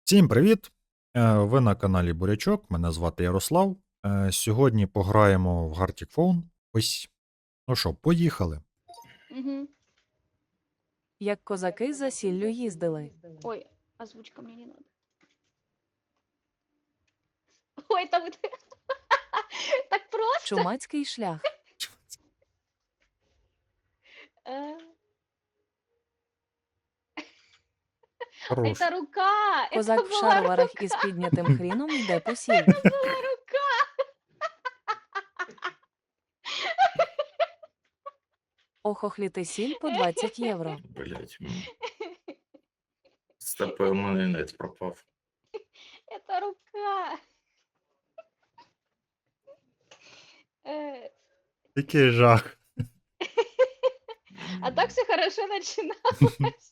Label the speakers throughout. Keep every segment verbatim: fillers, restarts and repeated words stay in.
Speaker 1: Всім привіт! Е, Ви на каналі Бурячок, мене звати Ярослав. Е, Сьогодні пограємо в Gartic Phone. Ось. Ну що, поїхали.
Speaker 2: Мгм.
Speaker 3: Як козаки за сіллю їздили.
Speaker 2: Ой, озвучка мне не надо. Ой, там это так просто.
Speaker 3: Чумацький шлях.
Speaker 2: Э,
Speaker 1: Хорош.
Speaker 2: Это рука. Это
Speaker 3: Козак в
Speaker 2: была
Speaker 3: шароварах
Speaker 2: рука.
Speaker 3: із піднятим хріном йде по сіль.
Speaker 2: Это была рука.
Speaker 3: Охохліти сіль по двадцять євро.
Speaker 4: Блять. Стопе, у мене інет пропав.
Speaker 2: Это рука. Э,
Speaker 1: Який жах.
Speaker 2: А так все хорошо начиналось.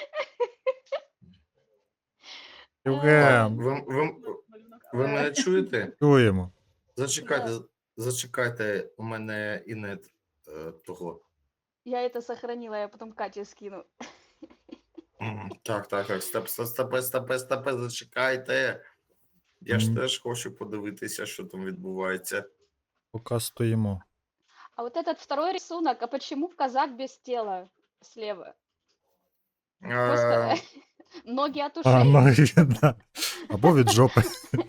Speaker 4: А,
Speaker 1: Євген,
Speaker 4: Ви, ви, ви мене чуєте?
Speaker 1: чуємо.
Speaker 4: Зачекайте, зачекайте, у мене інет е, того.
Speaker 2: Я это сохранила, я потом Кате скину.
Speaker 4: М, Так, так, так, стоп, стоп, стопе, стопе, стопе, зачекайте. Я ж
Speaker 1: Мгм.
Speaker 4: теж хочу подивитися, що там відбувається.
Speaker 1: Поки стоїмо.
Speaker 2: А вот этот второй рисунок, а почему казак без тела слева? Просто
Speaker 4: Е,
Speaker 2: ноги от
Speaker 1: А,
Speaker 2: ушей.
Speaker 1: ну, і да. Або від жопи.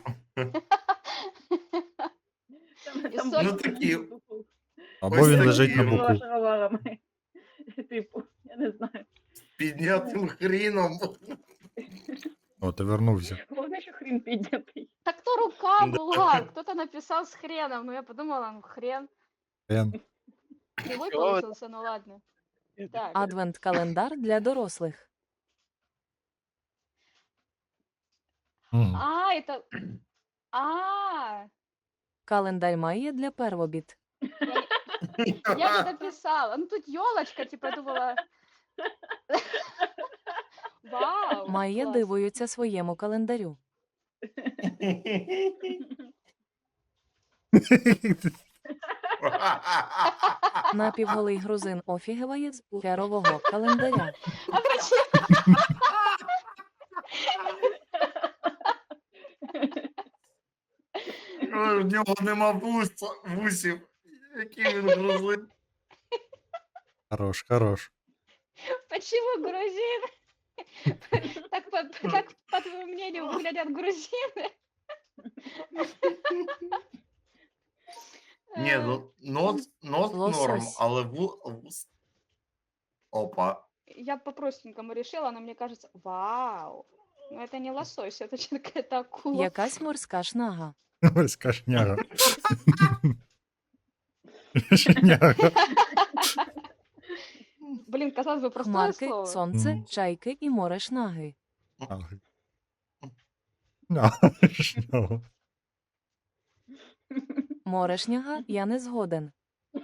Speaker 2: І
Speaker 5: Там
Speaker 2: соль-
Speaker 4: Ну такі,
Speaker 1: Або
Speaker 4: Ось
Speaker 1: він
Speaker 4: такі
Speaker 1: лежить на
Speaker 4: от.
Speaker 1: боку.
Speaker 5: шароварами. Типу, я не знаю.
Speaker 4: піднятим хріном.
Speaker 1: О, ти вернувся.
Speaker 5: Головне, що хрін піднятий.
Speaker 2: Так то рука
Speaker 4: Да.
Speaker 2: была, кто-то написал с хреном, ну я подумала, ну хрен.
Speaker 1: Ен.
Speaker 2: Кривой получился, ну ладно. Так,
Speaker 3: Адвент-календар для дорослих.
Speaker 1: Мгм.
Speaker 2: а, это... А,
Speaker 3: Календар має для первобіт.
Speaker 2: я не дописала. Ну тут елочка, типа, я думала... Вау,
Speaker 3: Має
Speaker 2: класс.
Speaker 3: дивуються своєму календарю. Напівголий грузин офігеває з херового календаря.
Speaker 2: А почему?
Speaker 4: Ой, в нього нема вуса, вусів. Який він грузин.
Speaker 1: Хорош, хорош.
Speaker 2: Почему грузин? Так, по, так, по твоему мнению, выглядят грузины?
Speaker 4: Ні, ну нот, нот норм,
Speaker 3: Лосось.
Speaker 4: але ву, вус. Опа.
Speaker 2: Я по-простенькому решила, но мне кажется, вау. Ну это не лосось, это чё, какая-то акула.
Speaker 3: Якась морська шнага.
Speaker 1: Ось кашняга. Шняга.
Speaker 2: Блин, казалось бы, простое
Speaker 3: Хмарки,
Speaker 2: слово.
Speaker 3: сонце,
Speaker 1: Мгм.
Speaker 3: чайки і море шнаги.
Speaker 1: Ага. А, шняга.
Speaker 3: Море шняга, я не згоден.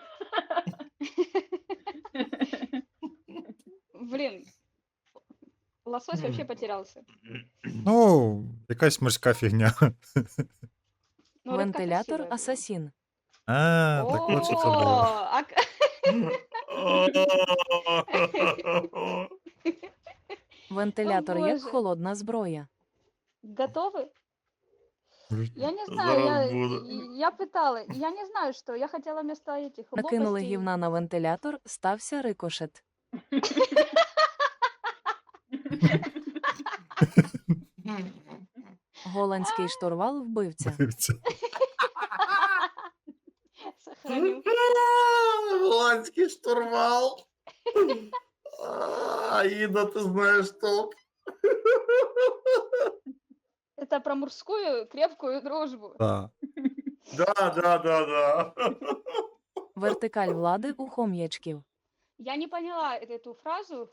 Speaker 2: Блин, лосось вообще потерялся.
Speaker 1: Ну, якась морська фігня.
Speaker 2: Ну, рыбка
Speaker 3: Вентилятор
Speaker 2: красивая была.
Speaker 3: асасін.
Speaker 1: А, так от що це
Speaker 2: О,
Speaker 1: було.
Speaker 2: а к-
Speaker 3: Вентилятор як
Speaker 2: Боже.
Speaker 3: холодна зброя.
Speaker 2: Готовы? Я не знаю,
Speaker 4: Зараз
Speaker 2: я,
Speaker 4: буду.
Speaker 2: я пытала. Я не знаю, что. Я хотела вместо этих
Speaker 3: Накинули
Speaker 2: лопастей.
Speaker 3: гівна на вентилятор, стався рикошет. Голландський штурвал вбивця.
Speaker 1: Дивіться.
Speaker 2: Сохраню.
Speaker 4: Голландський штурвал. А, Іда, ти знаєш толк.
Speaker 2: Это про мужскую крепкую дружбу.
Speaker 1: Да.
Speaker 4: Да, да, да, да.
Speaker 3: Вертикаль влади у хом'ячків.
Speaker 2: Я не поняла э- эту фразу.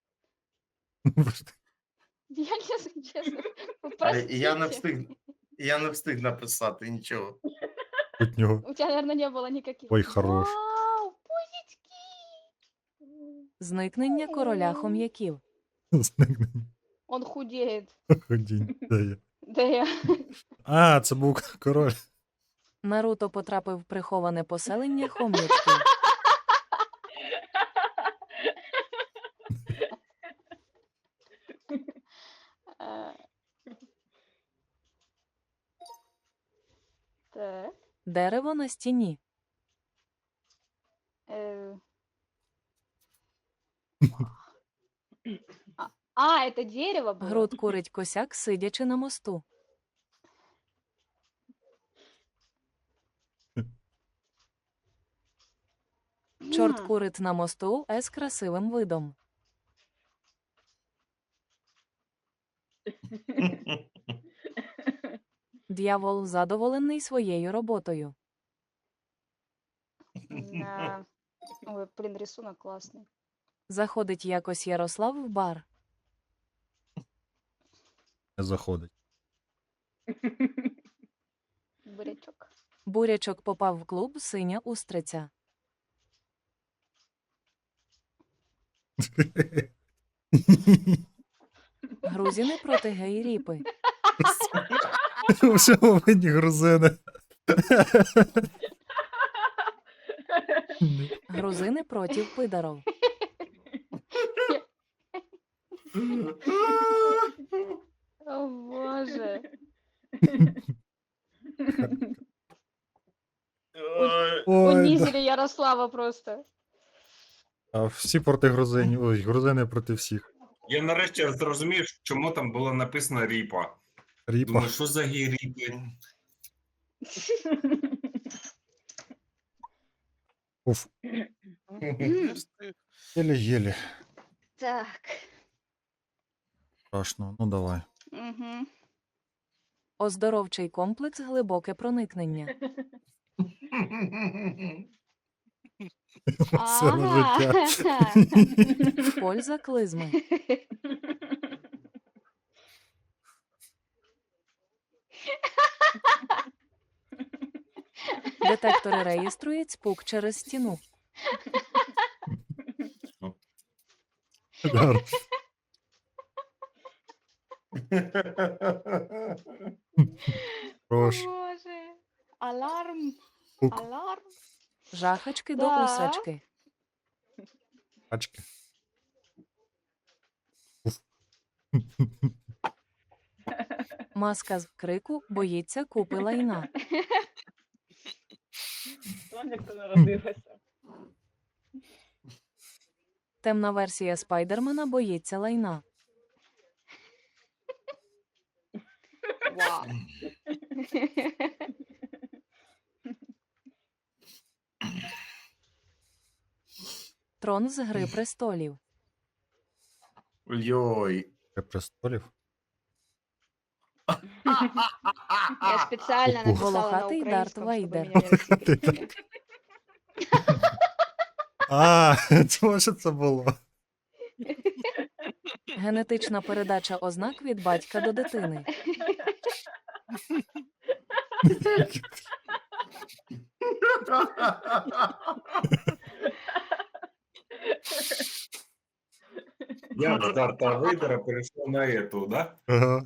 Speaker 2: Я не знаю, честно.
Speaker 4: А Я не
Speaker 2: Простите.
Speaker 4: встиг, я не встиг написати нічого.
Speaker 1: Тут нього.
Speaker 2: У тебя, наверное, не было никаких.
Speaker 1: Ой, хорош.
Speaker 2: Вау, пузички!
Speaker 3: Зникнення короля хом'яків.
Speaker 1: Зникнення.
Speaker 2: Он худеет.
Speaker 1: Ходінь. Де я?
Speaker 2: Да я.
Speaker 1: А, це був король.
Speaker 3: Наруто потрапив в приховане поселення хом'ячків.
Speaker 2: Э,
Speaker 3: Дерево на стіні.
Speaker 2: Э. А, а, это дерево было?
Speaker 3: Груд курить косяк, сидячи на мосту. Чорт
Speaker 2: М,
Speaker 3: курить на мосту з красивим видом. Д'явол задоволений своєю роботою.
Speaker 2: Да. Ой, блин, рисунок классный.
Speaker 3: Заходить якось Ярослав в бар.
Speaker 1: Не заходить.
Speaker 2: Бурячок.
Speaker 3: Бурячок попав в клуб «Синя устриця». Грузини проти гей-ріпи.
Speaker 1: Вже повинні грузини.
Speaker 3: Грузини проти пидаров.
Speaker 2: О, боже.
Speaker 4: Ой.
Speaker 1: Ой, да.
Speaker 2: Унизили Ярослава просто.
Speaker 1: А всі проти грузинів. Ой, грузини проти всіх.
Speaker 6: Я нарешті зрозумів, чому там було написано Ріпа.
Speaker 1: Ріпа.
Speaker 6: Думаю, що за гей-ріпи?
Speaker 1: Уф. Єлі-єлі.
Speaker 2: Так.
Speaker 1: Страшно. Ну давай.
Speaker 2: Угу.
Speaker 3: Оздоровчий комплекс «Глибоке проникнення».
Speaker 1: Все життя.
Speaker 3: Польза клизми. Детектори реєструють спук через стіну.
Speaker 1: Да. Прош.
Speaker 2: Боже. Аларм.
Speaker 1: Пук.
Speaker 2: Аларм.
Speaker 3: Жахачки до
Speaker 2: Да.
Speaker 3: усачки.
Speaker 1: Пачки.
Speaker 3: Маска з крику боїться купи лайна.
Speaker 5: Соня, хто народилася.
Speaker 3: Темна версія Спайдермена боїться лайна.
Speaker 2: Вау.
Speaker 3: Трон з Гри престолів.
Speaker 4: Ой.
Speaker 1: Гри престолів.
Speaker 2: Я специально
Speaker 1: Пупу.
Speaker 2: написала на
Speaker 3: Волохатый Дарт
Speaker 2: украинском, чтобы
Speaker 3: Вейдер.
Speaker 2: меня не рассекретили.
Speaker 1: А, чого ж це було?
Speaker 3: Генетична передача ознак від батька до дитини.
Speaker 6: Я з Дарта Вейдера перейшов на ету, да?
Speaker 1: Ага.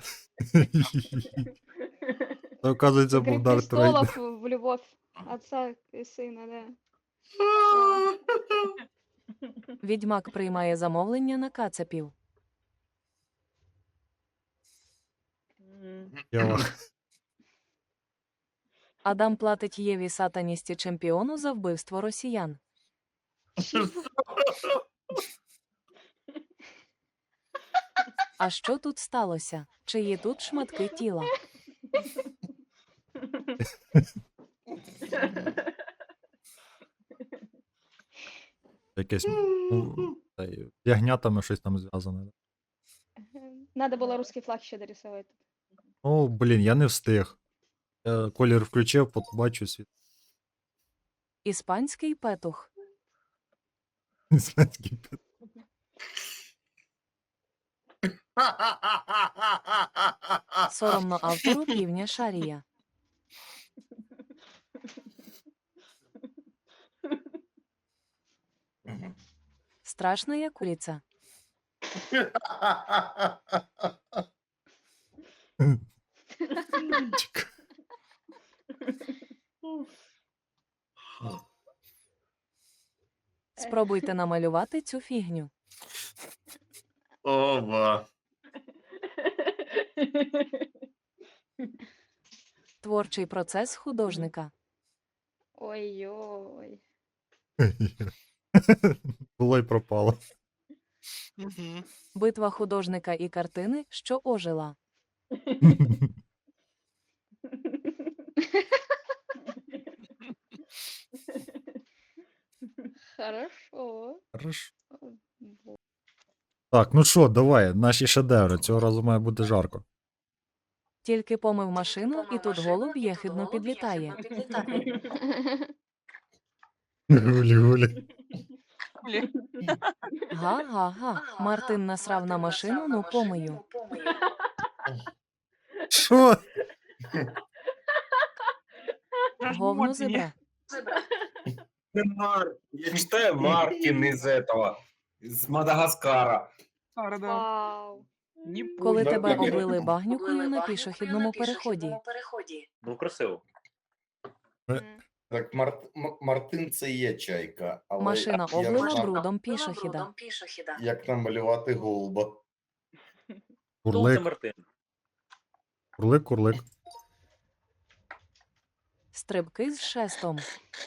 Speaker 1: Це, оказується,
Speaker 2: Игры
Speaker 1: був Дарт Вейдер.
Speaker 2: престолов в любовь отца и сына, да.
Speaker 3: Відьмак приймає замовлення на кацапів.
Speaker 5: М.
Speaker 1: Я
Speaker 3: Адам платить Єві сатаністі чемпіону за вбивство росіян. А що тут сталося? Чиї тут шматки тіла?
Speaker 1: якесь, ну, та й з ягнятами щось там зв'язане.
Speaker 2: Надо было русский флаг еще дорисовать.
Speaker 1: О, блін, я не встиг. Я колір включив, побачу світ.
Speaker 3: Іспанський петух.
Speaker 1: Іспанський пет.
Speaker 3: Соромно автору півня Шарія. Страшная куриця.
Speaker 1: Чекай.
Speaker 3: Спробуйте намалювати цю фігню.
Speaker 4: Ова.
Speaker 3: Творчий процес художника.
Speaker 1: Було й пропало.
Speaker 7: Мгм.
Speaker 3: Битва художника і картини, що ожила.
Speaker 2: Хорошо.
Speaker 1: Хорошо.
Speaker 2: Бо-
Speaker 1: Так, ну що, давай, наші шедеври. Цього разу має бути жарко.
Speaker 3: Тільки помив машину, і тут голуб єхидно підлітає.
Speaker 1: Гулі-гулі.
Speaker 3: Га-га-га. Мартин насрав на машину, ну помию.
Speaker 1: Що?
Speaker 3: Говно зебра.
Speaker 6: Не Мар... Я читаю Мартин из этого, из Мадагаскара.
Speaker 2: Вау.
Speaker 3: Коли
Speaker 6: Да,
Speaker 3: тебе
Speaker 6: да, да.
Speaker 3: облили багнюкою на пішохідному переході.
Speaker 6: Ну, красиво.
Speaker 2: М.
Speaker 4: Так, Мар... М- Мартин це є чайка, але
Speaker 3: Машина
Speaker 4: як,
Speaker 3: облила
Speaker 4: нам-
Speaker 3: брудом пішохіда.
Speaker 4: як намалювати голуба?
Speaker 1: Курлик,
Speaker 6: Мартин.
Speaker 1: курлик, курлик.
Speaker 3: Стрибки з шестом.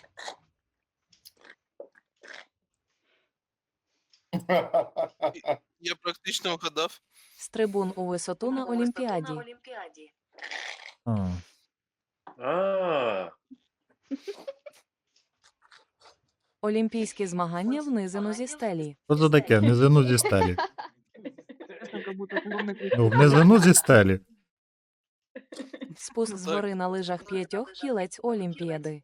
Speaker 7: Я практично вгадав.
Speaker 3: Стрибун у висоту на Олімпіаді.
Speaker 1: А.
Speaker 6: А,
Speaker 3: Олімпійські змагання внизину зі стелі.
Speaker 1: Що це таке? Внизину зі стелі. Ну, внизину зі стелі.
Speaker 3: Спуск з гори на лижах п'ятьох кілець Олімпіади.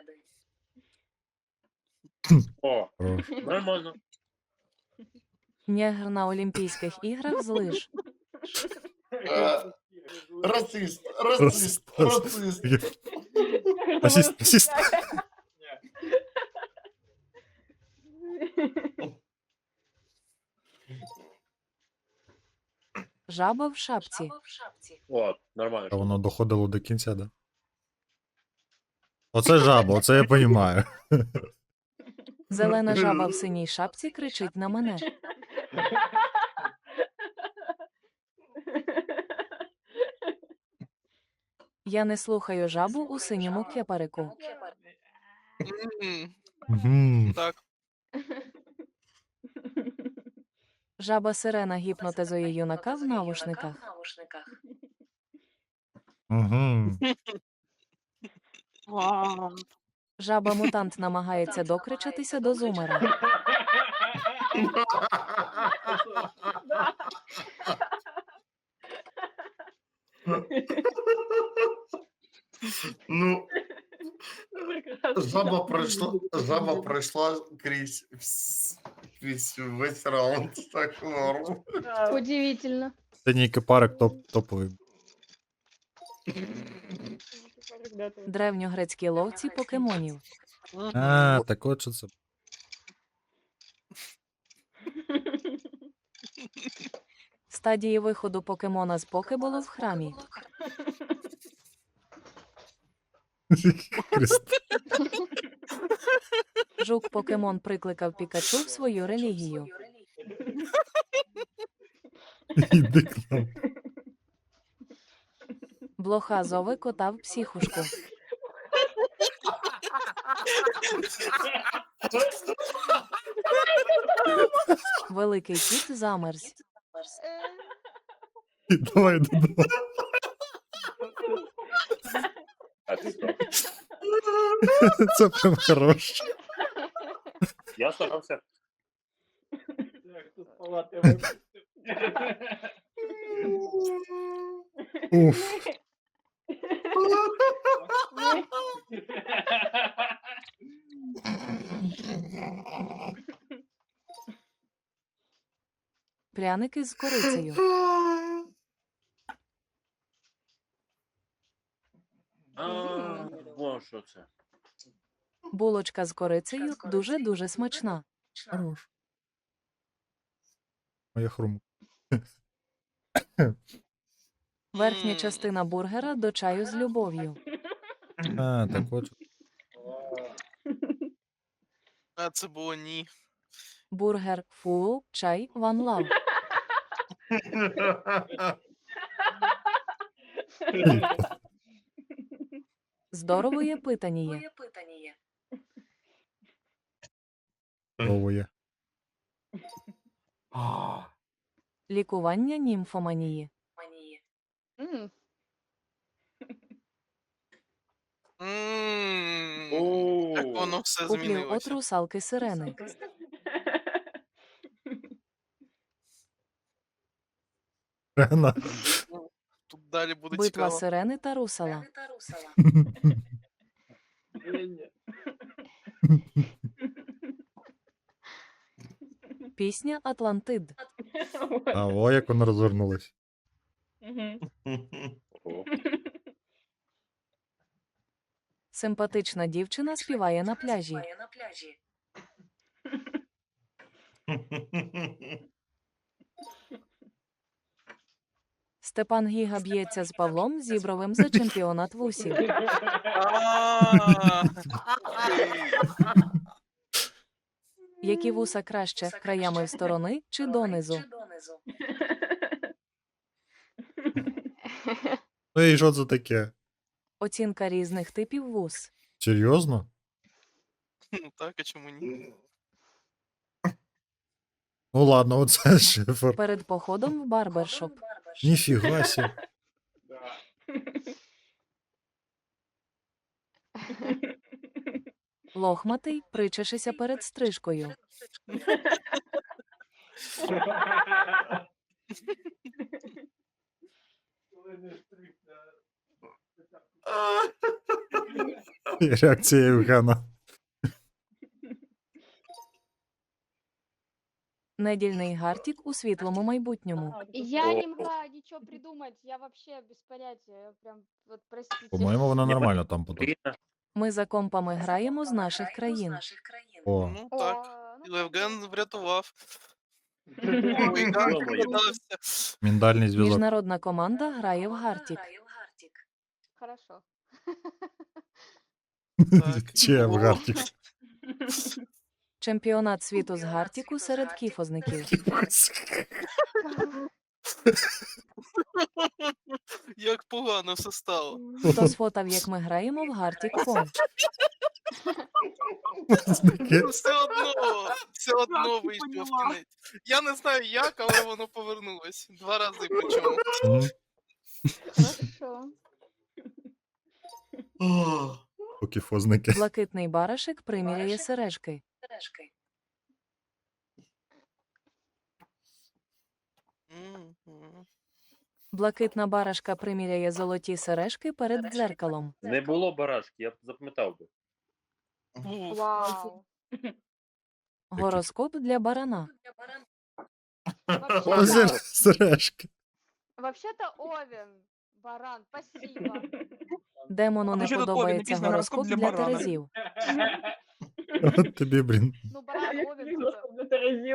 Speaker 6: о,
Speaker 1: Хорош.
Speaker 6: нормально.
Speaker 3: Нєгр на Олімпійських іграх з лиж.
Speaker 4: Е, Расист, расист, расист.
Speaker 1: Асіст, асіст.
Speaker 3: Жаба в шапці.
Speaker 6: О, нормально.
Speaker 1: А воно доходило до кінця, да? Оце жаба, оце я розумію.
Speaker 3: Зелена жаба в синій шапці кричить на мене. Я не слухаю жабу у синьому кепарику.
Speaker 7: Мгм.
Speaker 1: Мгм.
Speaker 7: Так.
Speaker 3: Жаба сирена гіпнотизує юнака в навушниках.
Speaker 1: Мгм.
Speaker 3: Жаба мутант намагається докричатися до зумера.
Speaker 4: Ну,
Speaker 5: Прекрасно.
Speaker 4: жаба пройшла, жаба пройшла крізь, вс- крізь весь раунд. Так норм.
Speaker 5: Да.
Speaker 2: Удивительно.
Speaker 1: Синій кипарик топ, топовий.
Speaker 5: Ребята.
Speaker 3: Древньогрецькі ловці покемонів.
Speaker 7: Мгм.
Speaker 1: А, так от що це.
Speaker 3: Стадії виходу покемона з покеболу в храмі.
Speaker 1: Христ.
Speaker 3: Жук покемон прикликав Пікачу в свою релігію.
Speaker 1: Іди к нам.
Speaker 3: Блоха зови кота в психушку. Великий кіт замерз.
Speaker 2: Е,
Speaker 1: Давай додому.
Speaker 6: А ти що?
Speaker 1: Це прям хороше.
Speaker 6: Я старався.
Speaker 5: Так, тут палати випустив.
Speaker 1: Уф.
Speaker 3: Пряники з корицею.
Speaker 6: А, во що це.
Speaker 3: Булочка з корицею дуже-дуже смачна.
Speaker 1: Хорош. Моя хрумка.
Speaker 3: Верхня
Speaker 7: М.
Speaker 3: частина бургера до чаю з любов'ю.
Speaker 1: А, так от. що.
Speaker 7: А це було ні.
Speaker 3: Бургер фул, чай one love. Здоровоє питаніє.
Speaker 1: Овує.
Speaker 6: А,
Speaker 3: Лікування німфоманії.
Speaker 2: М,
Speaker 7: М,
Speaker 6: О.
Speaker 7: Як воно все
Speaker 3: Куплів от
Speaker 7: змінилося.
Speaker 3: русалки сирени.
Speaker 1: Рена.
Speaker 7: Ну, Тут далі буде
Speaker 3: Битва
Speaker 7: цікаво.
Speaker 3: сирени та русала.
Speaker 5: Ні-ні.
Speaker 3: Пісня Атлантид.
Speaker 1: А о, як вона розвернулась.
Speaker 5: Мгм.
Speaker 6: о.
Speaker 3: Симпатична дівчина співає на пляжі. Степан Гіга б'ється з Павлом Зібровим за чемпіонат вусів.
Speaker 7: А, окей.
Speaker 3: Які вуса краще, краями в сторони чи донизу?
Speaker 1: Ну і що це таке?
Speaker 3: Оцінка різних типів вус.
Speaker 1: Серйозно?
Speaker 7: Ну так, а чому ні?
Speaker 1: Ну ладно, оце шифр.
Speaker 3: Перед походом в барбершоп.
Speaker 1: Ніфіга сі.
Speaker 5: Да.
Speaker 3: Лохматий, причешися перед стрижкою.
Speaker 1: Реакція Євгена.
Speaker 3: Недільний гартік у світлому майбутньому.
Speaker 5: А, тут
Speaker 2: Я
Speaker 6: О.
Speaker 2: не могла ничего придумать, я вообще без понятия, я прям, вот простите.
Speaker 1: По-моєму, вона нормально там потім.
Speaker 6: Блін,
Speaker 3: Ми за компами граємо з наших країн.
Speaker 1: О,
Speaker 7: Ну
Speaker 2: О,
Speaker 7: так.
Speaker 2: ну,
Speaker 7: Євген врятував.
Speaker 6: Ё-моё.
Speaker 7: Ой, як догадався.
Speaker 1: міндальний зв'язок.
Speaker 3: Міжнародна команда грає в гартік.
Speaker 2: хорошо.
Speaker 7: Так.
Speaker 1: Чи в
Speaker 7: О.
Speaker 1: гарті.
Speaker 3: Чемпіонат світу з гартіку серед кіфозників.
Speaker 7: Як погано все стало.
Speaker 3: Хто сфотав, як ми граємо в гартік фон?
Speaker 1: Таке.
Speaker 7: Все одно, все одно вийшло в кінець. Я не знаю як, але воно повернулось. Два рази причому.
Speaker 1: М,
Speaker 2: Хорошо.
Speaker 1: Покіфозники.
Speaker 3: Блакитний барашек приміряє сережки.
Speaker 7: Мгм.
Speaker 3: Блакитна барашка приміряє золоті сережки перед дзеркалом.
Speaker 6: Не було барашки, я б запам'ятав би.
Speaker 7: Був.
Speaker 2: Вау.
Speaker 3: Гороскоп для барана.
Speaker 1: О,
Speaker 2: Вообще-то,
Speaker 1: зер- Сережки.
Speaker 2: вообще-то Овен, баран, спасибо.
Speaker 3: Демону не
Speaker 8: Вообще тут Овен
Speaker 3: подобається
Speaker 8: написано
Speaker 3: гороскоп
Speaker 8: «Гороскоп для
Speaker 3: для
Speaker 8: барана».
Speaker 3: терезів.
Speaker 1: От тобі, блін.
Speaker 2: Ну, баран, Овен, типа.
Speaker 5: Просто Терезів.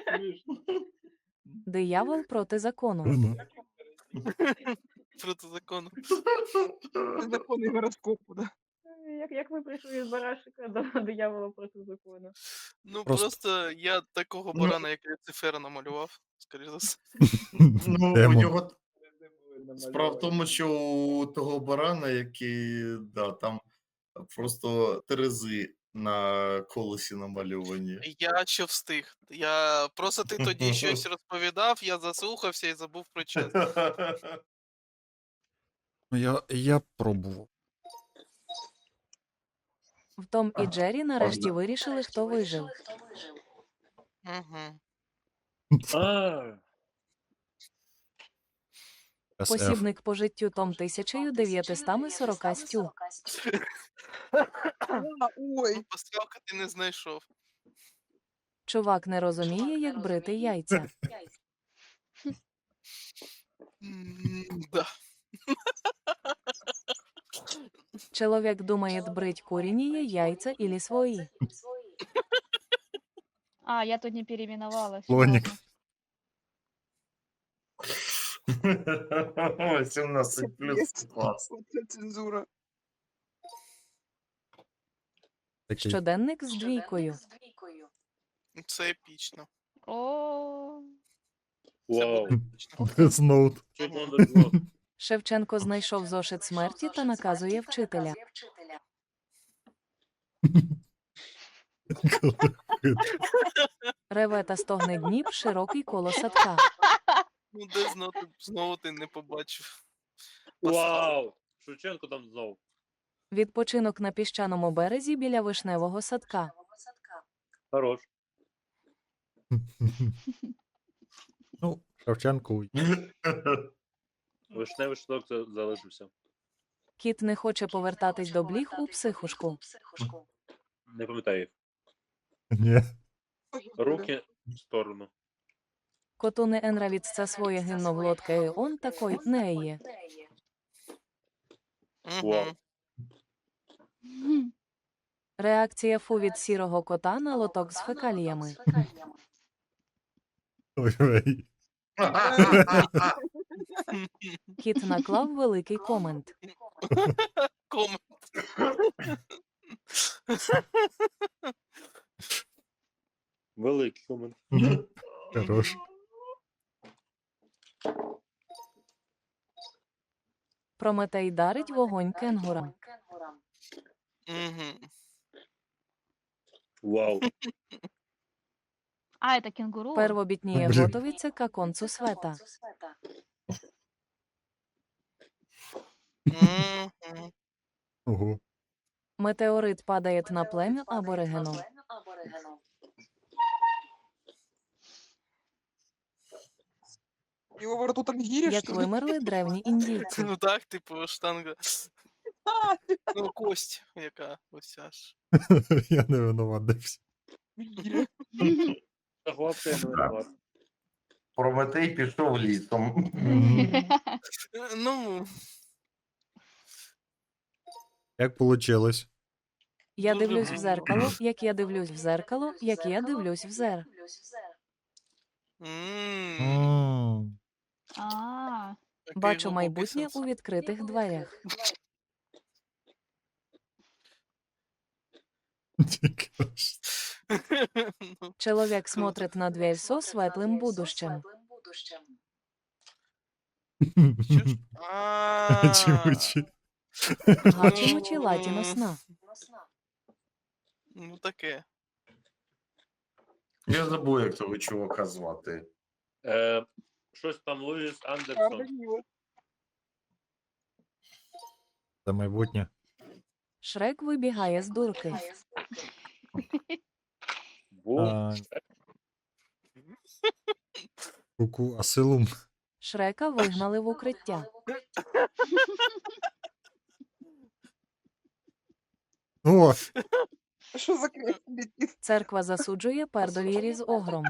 Speaker 3: Диявол проти закону.
Speaker 1: Ну.
Speaker 7: Проти закону.
Speaker 8: Законы гороскопу, да.
Speaker 5: Як, як ви прийшли з барашика до диявола проти закону?
Speaker 7: Ну
Speaker 1: Просто-
Speaker 7: просто я такого
Speaker 4: Ну.
Speaker 7: барана, як Люцифера, намалював, скоріш за все.
Speaker 4: Ну, у
Speaker 1: Демон.
Speaker 4: нього справа в тому, що у того барана, який, да, там просто терези на колесі намальовані.
Speaker 7: Я ще встиг. Я просто ти тоді щось розповідав, я заслухався і забув про час.
Speaker 1: Ну, Я, я пробував.
Speaker 3: В Том і Джері нарешті вирішили, хто вижив.
Speaker 7: Угу.
Speaker 6: А,
Speaker 1: ес еф.
Speaker 3: Посібник по життю Том тисяча дев'ятсот сорок стю.
Speaker 8: А, ой.
Speaker 7: Поставка ти не знайшов.
Speaker 3: Чувак не розуміє, як брити яйця.
Speaker 7: М, Да.
Speaker 3: Чоловік думає, брить курінії яйця ілі свої.
Speaker 2: А, я тут не переименовалась.
Speaker 1: Слоник.
Speaker 2: ладно.
Speaker 4: сімнадцять плюс клас.
Speaker 8: Вот это цензура.
Speaker 1: Такий.
Speaker 3: Щоденник з двійкою.
Speaker 7: Це епічно.
Speaker 2: О,
Speaker 7: Це
Speaker 6: вау.
Speaker 7: буде епічно.
Speaker 1: Death Note.
Speaker 6: Що ж надо було?
Speaker 3: Шевченко знайшов зошит смерті та наказує вчителя. Реве та стогне Дніп, широкий коло садка.
Speaker 7: Ну, де знову, знову ти не побачив.
Speaker 9: Вау! Шевченко там знов.
Speaker 3: Відпочинок на піщаному березі біля вишневого садка.
Speaker 9: Хорош.
Speaker 1: Ну, Шевченку.
Speaker 9: Вишневий шток за- залишився.
Speaker 3: Кіт не хоче повертатись до бліг у психушку.
Speaker 9: Не пам'ятаю їх.
Speaker 1: Ні.
Speaker 9: Руки в сторону.
Speaker 3: Коту не енравіться своє гімно в лодка і он такой не є.
Speaker 9: Вау.
Speaker 7: Угу.
Speaker 2: Мгм.
Speaker 3: Реакція фу від сірого кота на лоток з фекаліями.
Speaker 1: Ой-ой.
Speaker 3: Кіт наклав великий комент.
Speaker 7: Комент.
Speaker 9: Великий комент.
Speaker 1: Хорош.
Speaker 3: Прометей дарить вогонь кенгурам.
Speaker 7: Угу.
Speaker 9: Вау.
Speaker 2: А, это кенгуру?
Speaker 3: Первобітніє
Speaker 1: Блін.
Speaker 3: готовиться к концу света.
Speaker 7: Угу.
Speaker 1: Ого.
Speaker 3: Метеорит падає на плем'я аборигену.
Speaker 8: Его во рту там гири,
Speaker 3: Як
Speaker 8: что ли?
Speaker 3: вимерли древні індійці.
Speaker 7: Ну так, типу, штанга. Ну, кость, яка ось ця ж.
Speaker 1: Я не винуватився.
Speaker 8: Гири.
Speaker 9: Та хлопці, я не винуват.
Speaker 4: Прометей пішов лісом.
Speaker 7: Е, Ну,
Speaker 1: Як получилось?
Speaker 3: Я
Speaker 7: Дуже
Speaker 3: дивлюсь в
Speaker 7: гарно.
Speaker 3: зеркало, як я дивлюсь в зеркало, як я дивлюсь в зер.
Speaker 7: м,
Speaker 1: М.
Speaker 2: А,
Speaker 7: такий
Speaker 3: Бачу
Speaker 7: глибокий
Speaker 3: майбутнє
Speaker 7: сенс.
Speaker 3: у відкритих дверях.
Speaker 1: Тільки ж.
Speaker 7: Ну,
Speaker 3: Чоловік смотрить на дверь со светлим будущим.
Speaker 7: що ж? А,
Speaker 1: Чимучі.
Speaker 3: Гачимучі латіно сна.
Speaker 7: Ну таке.
Speaker 4: Я забув, як того чувака звати.
Speaker 9: Е, щось там Луїс Андерсон.
Speaker 8: Красиво.
Speaker 1: Це майбутнє.
Speaker 3: Шрек вибігає з дурки.
Speaker 9: Бум.
Speaker 1: А, Куку асилум.
Speaker 3: Шрека вигнали в укриття.
Speaker 1: О,
Speaker 8: Что за крик летит?
Speaker 3: Церква засуджує пердовірі з огром.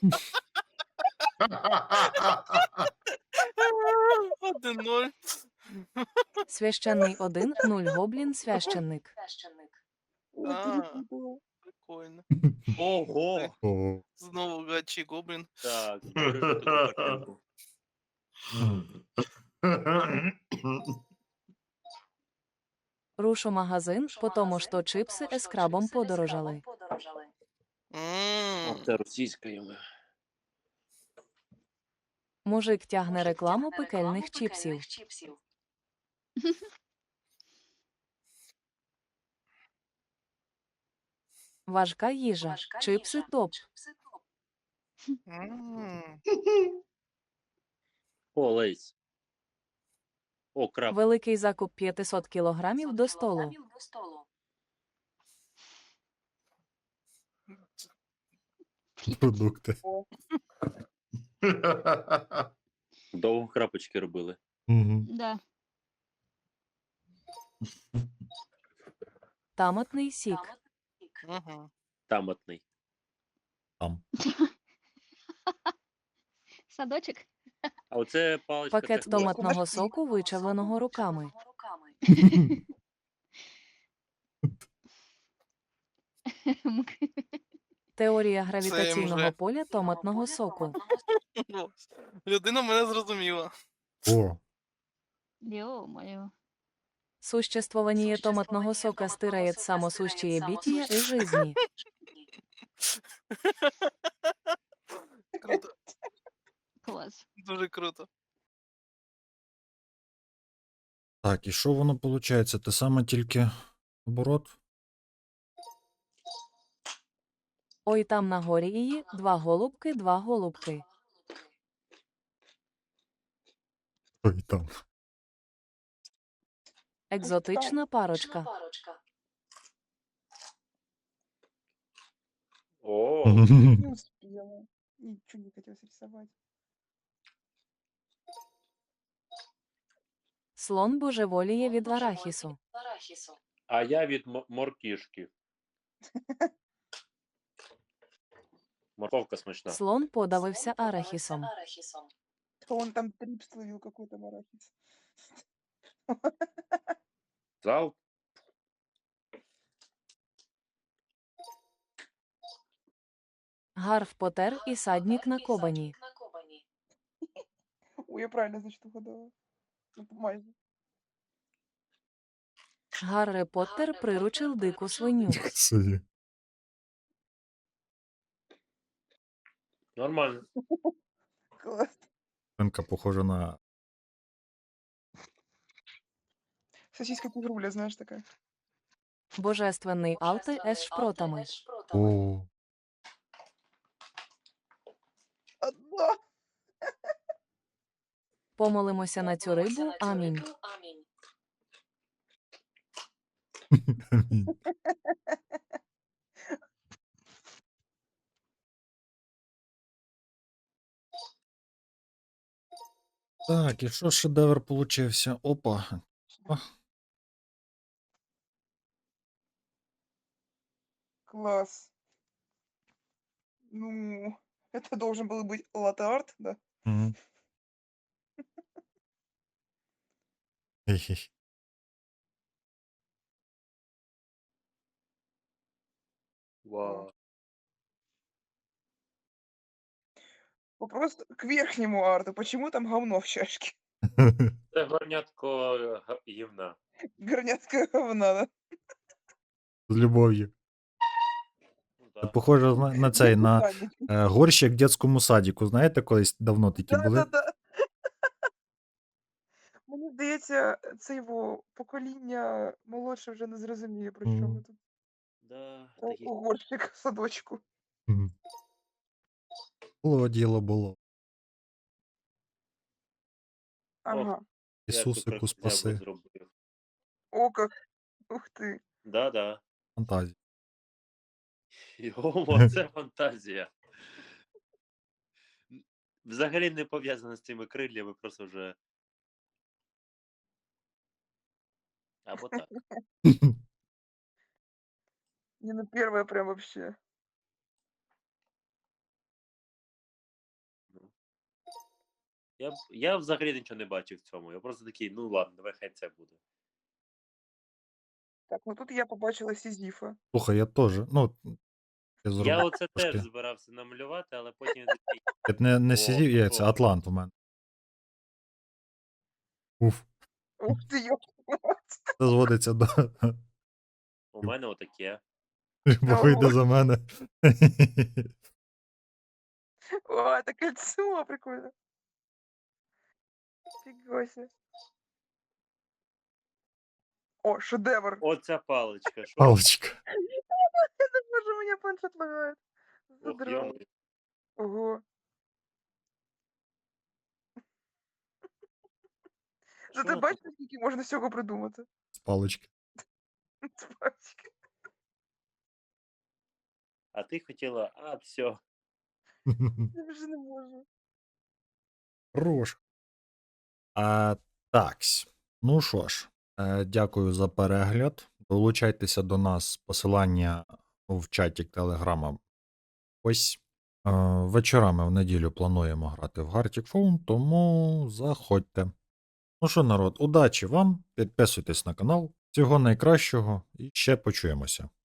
Speaker 7: Один ноль.
Speaker 3: Священний один, нуль гоблін священник.
Speaker 8: Ой,
Speaker 7: А.
Speaker 8: перепутала.
Speaker 7: Прикольно.
Speaker 9: Ого!
Speaker 1: о.
Speaker 7: Знову гачі гоблін.
Speaker 9: Так, покажи тут картинку.
Speaker 3: Руш у магазин, по тому що чипси ескрабом подорожали.
Speaker 7: М,
Speaker 9: Ох, це російською.
Speaker 3: Мужик тягне рекламу пекельних чіпсів. Важка їжа. Чипси топ.
Speaker 7: м.
Speaker 9: О, Лейс. О, краб.
Speaker 3: Великий закуп п'ятсот кілограмів до столу.
Speaker 1: Продукти.
Speaker 9: Довго крапочки робили.
Speaker 1: Угу.
Speaker 2: да.
Speaker 3: Томатний сік.
Speaker 7: Мгм.
Speaker 9: Таматний.
Speaker 1: Там.
Speaker 2: Садочек.
Speaker 9: А оце паличка.
Speaker 3: Пакет
Speaker 9: це хлопці.
Speaker 3: томатного соку, вичавленого руками. Теорія гравітаційного
Speaker 7: вже.
Speaker 3: поля томатного соку.
Speaker 7: Ну, людина мене зрозуміла.
Speaker 1: О,
Speaker 2: Ё-моё.
Speaker 3: Существование томатного сока стирает самосущее битие и жизни.
Speaker 7: Круто.
Speaker 2: Класс.
Speaker 7: Дуже круто.
Speaker 1: так, і що воно виходить? Те саме тільки оборот?
Speaker 3: Ой там на горі її, два голубки, два голубки.
Speaker 1: Ой, там.
Speaker 3: Екзотична парочка.
Speaker 9: О,
Speaker 8: Не успела. Ничего не хотелось рисовать.
Speaker 3: Слон божеволіє від арахісу.
Speaker 9: а я від мо- моркішки. Морковка смачна.
Speaker 3: Слон подавився арахісом.
Speaker 8: То он там трип словил какой-то арахис.
Speaker 9: Зал.
Speaker 3: Гарф Потер і саднік на кобані.
Speaker 8: Ой, я правильно, значит, угадала. Ну, майже.
Speaker 3: Гаррі Поттер приручив дику свиню.
Speaker 1: Собі.
Speaker 9: Нормально.
Speaker 8: Класс.
Speaker 1: Свинка похожа на.
Speaker 8: Сосиска тигруля, знаешь, такая.
Speaker 3: Божественний алти ес шпротами.
Speaker 1: О,
Speaker 8: Одна.
Speaker 3: Помолимося на цю рибу, амінь.
Speaker 1: Так, і що шедевр получився? Опа.
Speaker 8: Класс. Ну, это должен был быть латте-арт, да?
Speaker 1: Мгм. Хе-хе.
Speaker 9: Вау.
Speaker 8: Вопрос к верхнему арту. Почему там говно в чашке?
Speaker 9: Це горнятко е, га- гівна.
Speaker 8: Горнятка говна, да?
Speaker 1: З любов'ю.
Speaker 9: Ну,
Speaker 1: Це
Speaker 9: да.
Speaker 1: похоже на, на цей, на
Speaker 8: Садик.
Speaker 1: е, горщик в дитячому садіку. Знаєте, колись давно такі були?
Speaker 8: Да-да-да. Мені здається, це його покоління молодше вже не зрозуміє, про що
Speaker 1: Мгм.
Speaker 8: ми тут.
Speaker 9: Да,
Speaker 8: Про
Speaker 9: такі.
Speaker 8: горщик в садочку.
Speaker 1: Мгм. Було діло було.
Speaker 8: Ага.
Speaker 9: Я тут
Speaker 1: Ісусику
Speaker 9: крокодила
Speaker 1: спаси.
Speaker 9: зробив.
Speaker 8: О, как. Ух ти.
Speaker 9: Да-да.
Speaker 1: Фантазія.
Speaker 9: Йомо, це фантазія. М, Взагалі не пов'язано з цими крильями, просто вже. Або так.
Speaker 8: Не, ну первое прям вообще.
Speaker 9: Ну. Я, б- я взагалі нічого не бачив в цьому. Я просто такий, ну ладно, давай хай це буде.
Speaker 8: Так, ну тут я побачила Сізіфа.
Speaker 1: Слухай, я теж. Ну, я
Speaker 9: Я
Speaker 1: зробив
Speaker 9: оце теж
Speaker 1: трошки.
Speaker 9: збирався намалювати, але потім я такий.
Speaker 1: Це не, не
Speaker 9: О,
Speaker 1: сидів, я, це
Speaker 9: о.
Speaker 1: Атлант у мене. Уф.
Speaker 8: Ух ти, йоп.
Speaker 1: Це зводиться до.
Speaker 9: У мене отаке.
Speaker 1: Бо вийде за мене.
Speaker 8: О, это кольцо, прикольно. Фига себе. О, шедевр.
Speaker 9: Оця паличка. Що?
Speaker 1: Палочка.
Speaker 8: Это боже, у меня планшет лагает.
Speaker 9: Ох,
Speaker 8: Задрал.
Speaker 9: йомо.
Speaker 8: Ого.
Speaker 9: Що
Speaker 8: Ти
Speaker 9: воно
Speaker 8: бачиш,
Speaker 9: тут?
Speaker 8: скільки можна всього придумати?
Speaker 1: З палочки.
Speaker 8: Спасибо.
Speaker 9: А ти хотіла, а, все.
Speaker 8: Я вже не можу.
Speaker 1: Хорош. А, такс. Ну що ж, е, дякую за перегляд. Долучайтеся до нас. Посилання в чаті Телеграма. Ось. Е, вечорами в неділю плануємо грати в Gartic Phone, тому заходьте. Ну що, народ, удачі вам. Підписуйтесь на канал. Всього найкращого і ще почуємося.